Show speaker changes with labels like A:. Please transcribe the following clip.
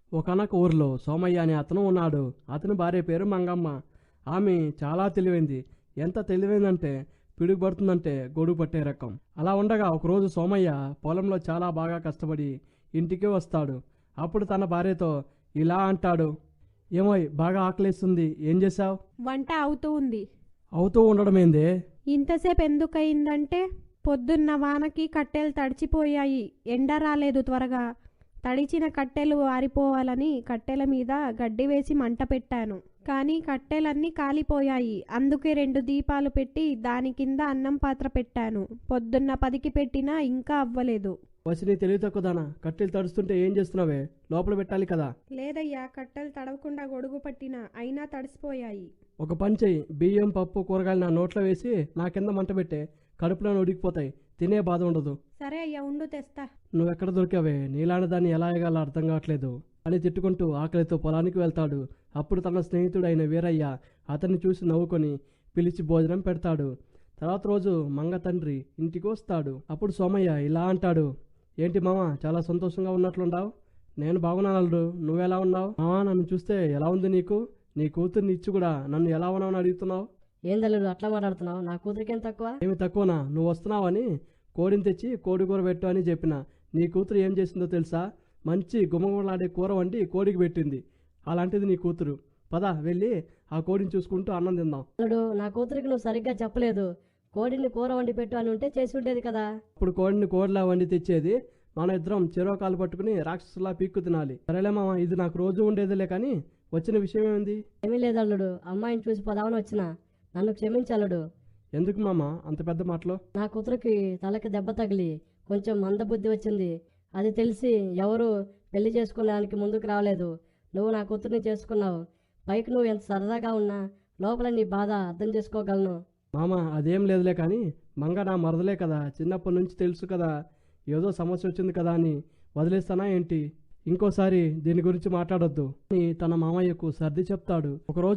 A: ఒకానొక ఊరిలో సోమయ్య అనే అతను ఉన్నాడు. అతని భార్య పేరు మంగమ్మ. ఆమె చాలా తెలివైంది. ఎంత తెలివైందంటే పిడుగుపడుతుందంటే గొడుగు పట్టే రకం. అలా ఉండగా ఒకరోజు సోమయ్య పొలంలో చాలా బాగా కష్టపడి ఇంటికి వస్తాడు. అప్పుడు తన భార్యతో ఇలా అంటాడు, ఏమోయ్ బాగా ఆకలేస్తుంది, ఏం చేశావు?
B: వంట అవుతూ ఉంది.
A: అవుతూ ఉండడమేందే?
B: ఇంతసేపు ఎందుకయిందంటే పొద్దున్న వానకి కట్టెలు తడిచిపోయాయి. ఎండ రాలేదు త్వరగా. తడిచిన కట్టెలు ఆరిపోవాలని కట్టెల మీద గడ్డి వేసి మంట పెట్టాను. కానీ కట్టెలన్నీ కాలిపోయాయి. అందుకే 2 దీపాలు పెట్టి దాని కింద అన్నం పాత్ర పెట్టాను. పొద్దున్న 10కి పెట్టినా ఇంకా అవ్వలేదు.
A: వచ్చి నీ తెలివి తక్కువదానా, కట్టెలు తడుస్తుంటే ఏం చేస్తున్నావే? లోపల పెట్టాలి కదా.
B: లేదయ్యా, కట్టెలు తడవకుండా గొడుగు పట్టినా అయినా తడిసిపోయాయి.
A: ఒక పని చెయ్యి, బియ్యం పప్పు కూరగాయలు నా నోట్లో వేసి నా కింద మంట పెట్టే, కడుపులో ఉడికిపోతాయి, తినే బాధ ఉండదు.
B: సరే అయ్యా, ఉండు తెస్తా.
A: నువ్వెక్కడ దొరికావే? నీలాంటి దాన్ని ఎలా ఎగాలో అర్థం కావట్లేదు అని తిట్టుకుంటూ ఆకలితో పొలానికి వెళ్తాడు. అప్పుడు తన స్నేహితుడైన వీరయ్య అతన్ని చూసి నవ్వుకొని పిలిచి భోజనం పెడతాడు. తర్వాత రోజు మంగ తండ్రి ఇంటికి వస్తాడు. అప్పుడు సోమయ్య ఇలా అంటాడు, ఏంటి మామ చాలా సంతోషంగా ఉన్నట్లుండావు? నేను బాగున్నాను అల్లుడు, నువ్వెలా ఉన్నావు? మామ నన్ను చూస్తే ఎలా ఉంది నీకు? నీ కూతుర్ని ఇచ్చి కూడా నన్ను ఎలా ఉన్నావని అడుగుతున్నావు?
C: ఏందల్లుడు అట్లా మాట్లాడుతున్నావు? నా కూతురికేం తక్కువ?
A: ఏమి తక్కువనా? నువ్వు వస్తున్నావని కోడిని తెచ్చి కోడి కూర పెట్టు అని చెప్పిన. నీ కూతురు ఏం చేసిందో తెలుసా? మంచి గుమగుమలాడే కూర వండి కోడికి పెట్టింది. అలాంటిది నీ కూతురు. పద వెళ్ళి ఆ కోడిని చూసుకుంటూ అన్నం తిందాం.
C: అల్లుడు, నా కూతురికి నువ్వు సరిగ్గా చెప్పలేదు. కోడిని కూర వండి పెట్టు అని ఉంటే చేసి ఉండేది కదా.
A: ఇప్పుడు కోడిని కోడిలా వండి తెచ్చేది, మన ఇద్దరం చెరో కాలు పట్టుకుని రాక్షసులా పీక్కు తినాలి. సరేలే మామ, ఇది నాకు రోజు ఉండేదిలే. కానీ వచ్చిన విషయం ఏమైంది?
C: ఏమీ లేదు అల్లుడు, అమ్మాయిని చూసి పదావని వచ్చిన. నన్ను క్షమించల్లుడు.
A: ఎందుకు మామ అంత పెద్ద మాటలు?
C: నా కూతురికి తలకి దెబ్బ తగిలి కొంచెం మందబుద్ధి వచ్చింది. అది తెలిసి ఎవరు పెళ్లి చేసుకోవడానికి ముందుకు రావలేదు. నువ్వు నా కూతుర్ని చేసుకున్నావు. పైకి నువ్వు ఎంత సరదాగా ఉన్నా లోపల నీ బాధ అర్థం చేసుకోగలను.
A: మామ అదేం లేదులే, కానీ మంగ నా మరదలే కదా, చిన్నప్పటి నుంచి తెలుసు కదా. ఏదో సమస్య వచ్చింది కదా అని వదిలేస్తానా ఏంటి? ఇంకోసారి దీని గురించి మాట్లాడొద్దు అని తన మామయ్యకు సర్ది చెప్తాడు. ఒకరోజు